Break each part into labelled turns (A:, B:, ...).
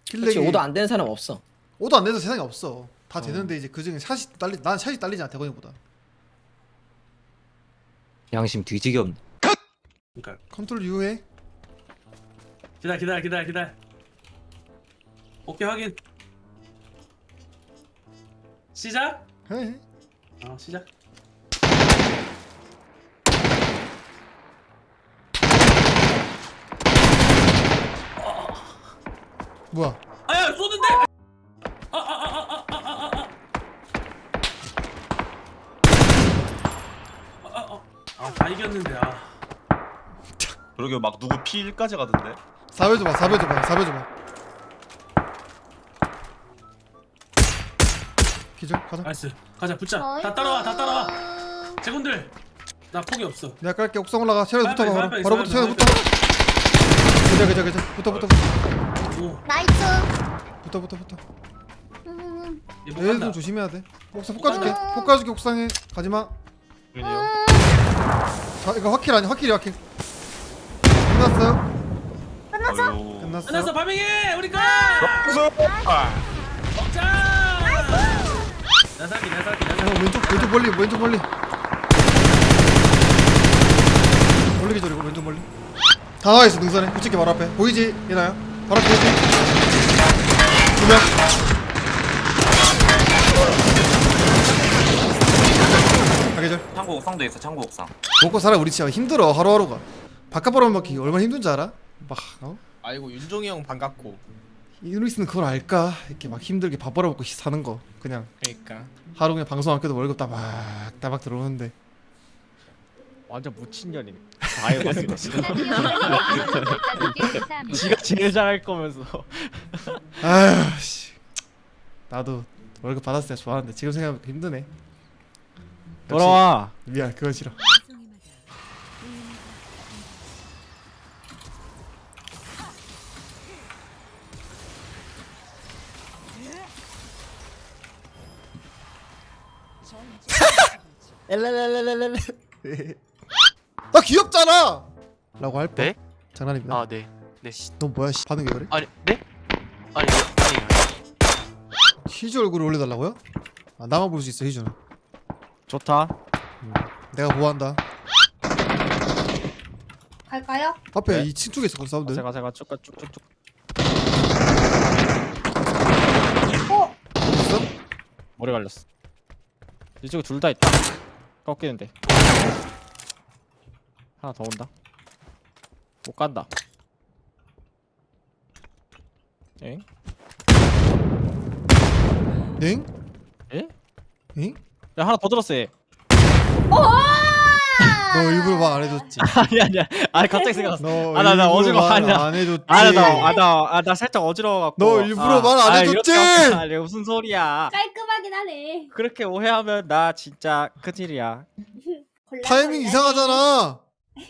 A: 그렇지. 오도 안 되는 사람 없어.
B: 오도 안 돼도 세상에 없어. 다 되는데 이제 그 중에 샷이 딸리 난 샷이 딸리잖아 대건이보다.
C: 양심 뒤지게 없네.
D: 그러니까
B: 컨트롤 U 해.
D: 기다려. 오케이 확인. 시작.
B: 해.
D: 시작.
B: 뭐야?
D: 아야 쏘는데. 다 이겼는데
E: 그러게 막 누구 P1까지 가던데.
B: 4배 줘봐. 4배 줘봐. 기절 가자.
D: 나이스. 가자 붙자. 다 따라와. 제군들 나 포기 없어.
B: 내가 깔게. 옥상 올라가. 체력 붙어.
D: 빨리,
B: 바로 붙어. 체력 붙어. 그자. 붙어.
D: 오.
F: 나이스.
B: 붙어.
D: 얘못
B: 얘들
D: 간다.
B: 좀 조심해야 돼. 옥상 폭 가줄게. 폭 가줄게. 옥상에 가지마.
E: 그러니요.
B: 자 이거 확킬 아니야? 확킬이 확킬. 끝났어요?
E: 아유.
D: 끝났어 파밍해 우리 거.
E: 아.
D: 먹자. 나 살기.
B: 왼쪽 멀리. 멀리 기절이고 왼쪽 멀리. 다 나와 있어 능선에. 우측에 바로 앞에. 보이지? 얘나야? 바로 앞에 보이지? 두 명. 가계절.
E: 창고 옥상도 있어. 창고 옥상.
B: 먹고 살아. 우리 진짜 힘들어 하루하루가. 바깥바람 먹기 얼마나 힘든 줄 알아? 막
G: 아이고 윤종이 형 반갑고.
B: 이누리스는 그걸 알까? 이렇게 막 힘들게 밥 벌어먹고 사는 거. 그냥
G: 그러니까
B: 하루 그냥 방송 안 켜도 월급 따박 들어오는데.
G: 완전 무친년이네. 다 알고 있어. 지가 제일 잘할 거면서.
B: 아휴 씨. 나도 월급 받았을 때 좋아하는데 지금 생각하면 힘드네.
G: 돌아와.
B: 미안 그건 싫어.
G: 엘레레레레레.
B: 나 귀엽잖아! 라고 할 뻔.
H: 네?
B: 장난입니다.
H: 아, 네. 네.
B: 너 뭐야 씨 반응 왜 그래?
H: 아니, 네? 아니,
B: 희주 얼굴을 올려달라고요? 아 나만 볼 수 있어 희주는.
G: 좋다.
B: 내가 보호한다.
F: 갈까요?
B: 앞에
G: 네.
B: 2층 쪽에 있어 사운드.
G: 제가 쭉쭉.
F: 어?
B: 있어?
G: 머리 갈렸어. 이쪽에 둘 다 있다. 꺾이는데. 하나 더 온다. 못 간다. 엥?
B: 응?
G: 에?
B: 응?
G: 야 하나 더 들었어 얘.
B: 너 일부러 말 안 해줬지.
G: 아니야. 아니 갑자기 생각났어.
B: 너
G: 아, 나
B: 일부러
G: 어지러워.
B: 말
G: 아니야.
B: 안 해줬지.
G: 나 살짝 어지러워갖고.
B: 너 일부러 말안 해줬지?
G: 아니 무슨 소리야.
F: 깔끔하긴 하네.
G: 그렇게 오해하면 나 진짜 큰일이야.
B: 타이밍 이상하잖아.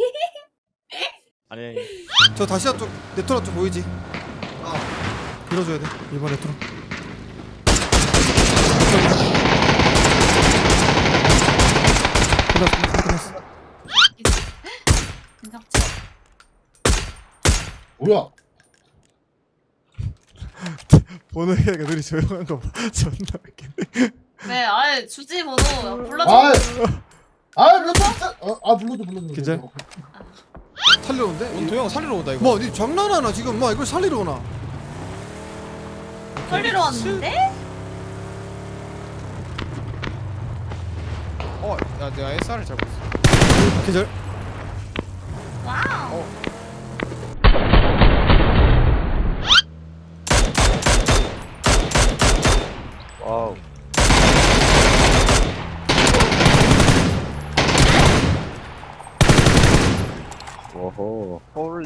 G: 아니
B: 저 다시야 쪽 네트워크 쪽 보이지? 아 밀어줘야 돼. 이번 네트워크. 끝났어.
I: 뭐야?
B: 번호 얘기가 눈이 조용한 거 봐. 존나 웃기네.
J: 네, 아예 주지 번호 불러줘.
I: 아, 진짜. 불러줘.
B: 괜찮아? 살리러 온대?
G: 도영 살리러 온다 이거.
B: 뭐, 니 장난하나 지금? 뭐 이걸 살리러 오나?
J: 살리러 왔는데?
G: 야 내가 SR을 잘 봤어.
B: 계절.
J: 와우.
C: 와우. 오호. 홀리.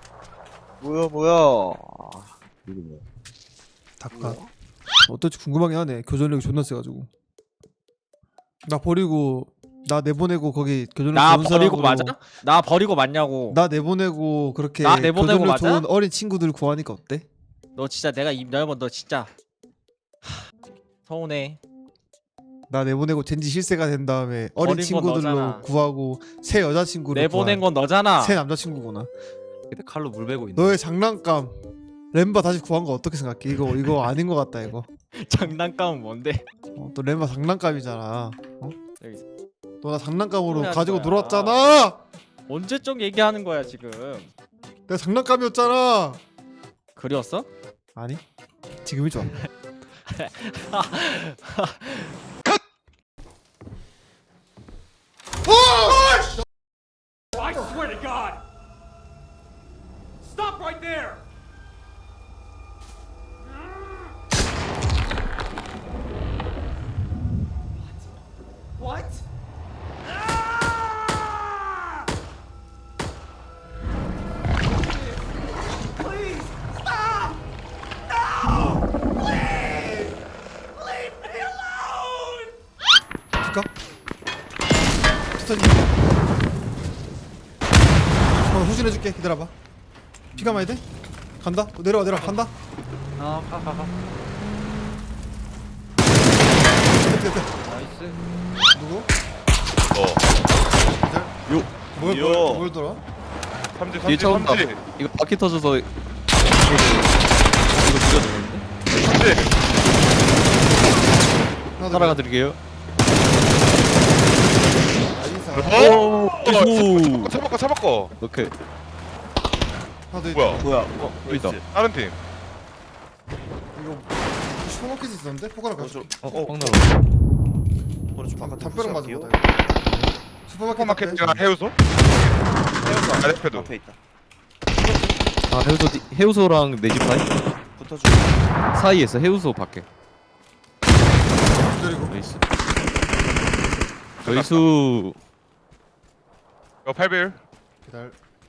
C: 뭐야. 이게 뭐야?
B: 닭가. 어떨지 궁금하긴 하네. 교전력이 존나 세가지고. 나 버리고 나 내보내고 거기 교전력
G: 나
B: 좋은
G: 버리고
B: 사람으로
G: 맞아? 나 버리고 맞냐고.
B: 나 내보내고 그렇게
G: 나 내보내고
B: 교전력
G: 맞아?
B: 좋은 어린 친구들 구하니까 어때?
G: 너 진짜 내가 입 열면 너 진짜 서운해.
B: 나 내보내고 젠지 실세가 된 다음에 어린
G: 버린 건
B: 친구들로
G: 너잖아.
B: 구하고 새 여자친구를
G: 내보낸
B: 구한
G: 건 너잖아.
B: 새 남자친구구나.
C: 근데 칼로 물 베고 있네.
B: 너의 장난감 렘바 다시 구한 거 어떻게 생각해? 이거 아닌 것 같다 이거.
G: 장난감은 뭔데?
B: 또 렘바 장난감이잖아.
G: 여기 있어.
B: 너 나 장난감으로
G: 소리 하는
B: 가지고
G: 거야.
B: 놀았잖아.
G: 언제적 얘기하는 거야 지금?
B: 내가 장난감이었잖아.
G: 그리웠어?
B: 아니 지금이 좋아.
D: I swear to God! Stop right there! What? Please stop! No! Please! Leave me alone!
B: 줄까? 스턴이. 후진해줄게. 기다려봐. 피가 많이 돼? 간다. 내려와 간다.
C: 가.
B: 됐.
G: 나이스.
B: 누구?
E: 요.
B: 뭘 돌아?
E: 삼지
C: 뒤에 차 온다.
E: 삼지
C: 이거 바퀴 터져서 이거 죽여주는데?
E: 삼지.
B: 하나 더.
C: 따라가 드릴게요.
B: 나이스.
C: 오! 오!
E: 차바꿔.
C: 오케이.
B: 하나 더 있다.
E: 뭐야?
C: 여기 있다.
E: 다른 팀.
B: 이거 슈퍼마켓 있었는데? 포카랑 같이.
C: 황나라.
B: 담벼락 맞은 거다. 이거.
E: 슈퍼마켓이랑 해우소? 아레페도.
A: 앞에 있다.
C: 아, 해우소랑 내 집 사이?
A: 붙어줘.
C: 사이에 있어. 해우소 밖에.
B: 기다리고.
C: 나이스. 저희수
E: 이거 8배율.
B: 기다려.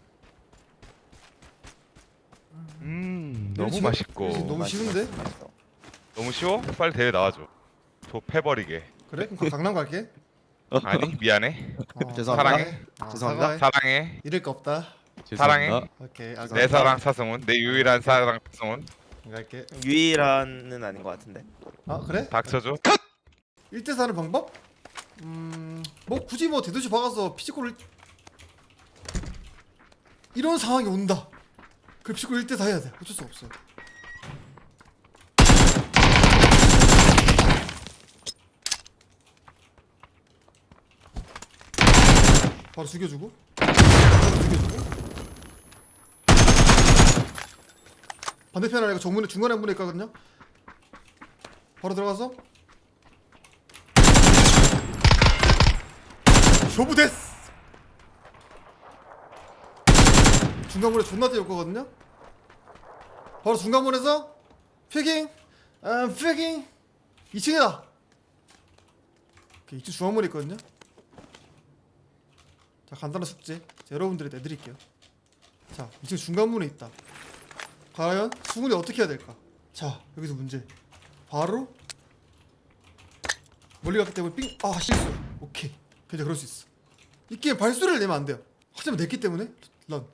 E: 너무 맛있고.
B: 너무 쉬운데?
E: 너무 쉬워? 빨리 대회 나와줘. 저 패버리게.
B: 그래? 그럼 강남 갈게.
E: 아니 미안해.
A: 죄송합니다.
E: 사랑해.
A: 죄송합니다.
E: 사랑해.
B: 잃을 거 없다.
E: 사랑해.
C: 죄송합니다.
B: 오케이.
E: 내 사랑 사승훈. 내 유일한 사랑 사승훈.
B: 갈게.
A: 유일한은 아닌 것 같은데.
B: 아 그래?
E: 닥쳐줘.
B: 1대 사는 방법? 뭐 굳이 뭐 대도시 박아서 피지컬을 이런 상황이 온다. 그 피지컬 1대 4 해야 돼. 어쩔 수 없어. 바로 죽여주고. 반대편 아니고 정문에 중간에 문에 있거든요. 바로 들어가서 쇼부 데스. 중간문에 존나 뛰을 거거든요. 바로 중간문에서 피깅, 피깅 2층이다. 2층 중앙문에 있거든요. 자 간단한 숙제 자, 여러분들이 내드릴게요. 자 2층 중간문에 있다. 과연 승훈이 어떻게 해야 될까? 자 여기서 문제. 바로 멀리 갔기 때문에 삥. 아 실수. 오케이. 괜찮아 그럴 수 있어. 이 게임 발소리를 내면 안 돼요. 하지만 냈기 때문에 런.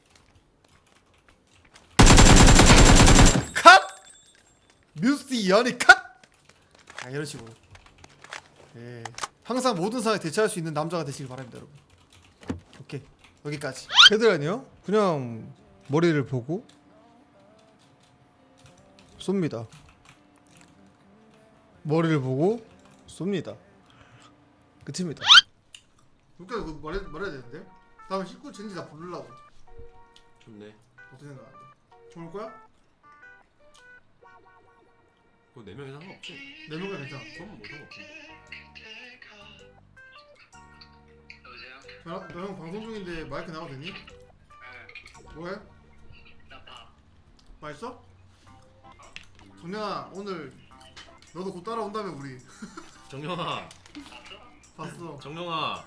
B: 컷! 뮤스 연이 컷! 아 이런 식으로. 예. 항상 모든 상황에 대처할 수 있는 남자가 되시길 바랍니다 여러분. 오케이 여기까지. 헤드라인이요? 그냥 머리를 보고 쏩니다. 머리를 보고 쏩니다. 끝입니다. 그러니까 그거 말해야 되는데? 다음에 19 젠지 다 부르려고.
K: 좋네.
B: 어떻게 생각하는데? 좋을 거야?
K: 그거 4명이 상관없지.
B: 4명가 괜찮아.
K: 그럼 뭐 상관없지.
B: 너형 방송 중인데 마이크 나가도 되니? 뭐해? 맛있어? 정연아 오늘 너도 곧 따라온다며 우리.
K: 정영아.
B: 봤어.
K: 정영아.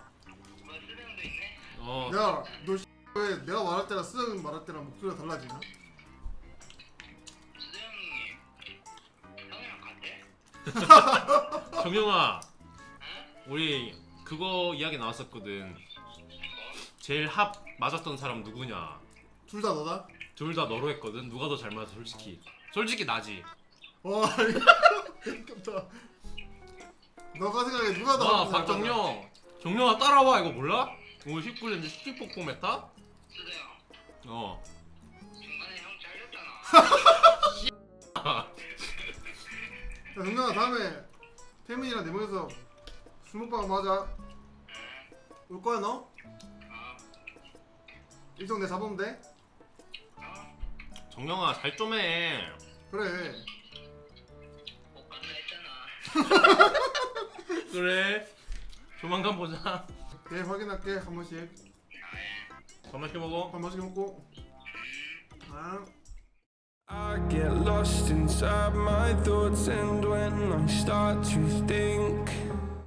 B: 야, 너 왜 내가 말할 때랑 수정 말할 때랑 목소리가 달라지냐?
K: 정영아. 우리 그거 이야기 나왔었거든. 제일 합 맞았던 사람 누구냐?
B: 둘 다 너다?
K: 둘 다 너로 했거든. 누가 더 잘 맞아 솔직히. 솔직히 나지.
B: 와, 이거 너가 생각해 누가 더?
K: 와 박정영. 정영아 따라와 이거 몰라? 오늘 19년째 시티폭포 메타? 어.
L: 중간에 형 잘렸잖아.
B: 자 정명아 다음에 태민이랑 네 명이서 술 먹방 한번 하자. 올 거야 너? 일정 내 잡으면 돼?
K: 정영아 잘 좀 해.
B: 그래.
K: 그래. 조만간 보자.
B: 네 확인할게 한 번씩.
K: 밥 맛있게 먹어.
B: 밥 맛있게 먹고. 아.
L: I get lost inside my thoughts, and when I start to think